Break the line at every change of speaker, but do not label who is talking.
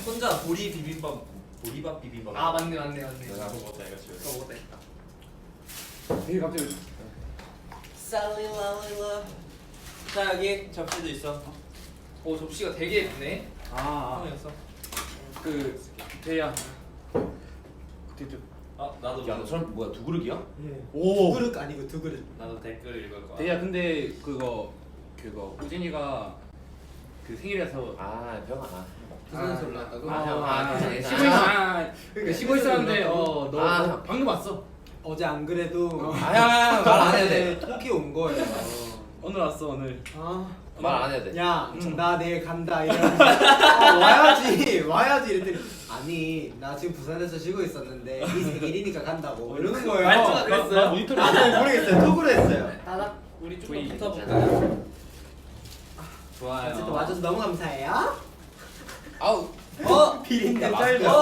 혼자 보리밥 비빔밥.
아 맞네.
나도 먹었다 이거 지금.
그거 먹었다 했다.
되게 갑자기
살릴랄라. 자 여기 접시도 있어.
오 접시가 되게 예쁘네.
형이었어.
그 대야 그때
아 나도.
야너 사람 뭐야 두 그릇이야?
예.
오.
두 그릇 아니고 두 그릇.
나도 댓글 읽을 거야.
대야 근데 그거 우진이가 그 생일이라서
아 병아.
부산에서 올라왔다고?
그러니까 쉬고 있었는데 너
아.
방금 왔어.
어제 안 그래도
아야 말 안 해도 돼.
톡이 온 거예요.
오늘 왔어 오늘.
말 안 해도 돼.
야, 나 내일 간다 이러면서 와야지 이랬더니 아니 나 지금 부산에서 쉬고 있었는데 네 생일이니까 간다고 이러는 거예요.
말투가 그랬어요?
나 모니터를
아, 모르겠어요. 톡으로 했어요.
따닥 우리
조이.
조금 붙어볼까요?
좋아요.
어쨌든 와줘서 너무 감사해요.
아우.
비린내
야,
쩔죠.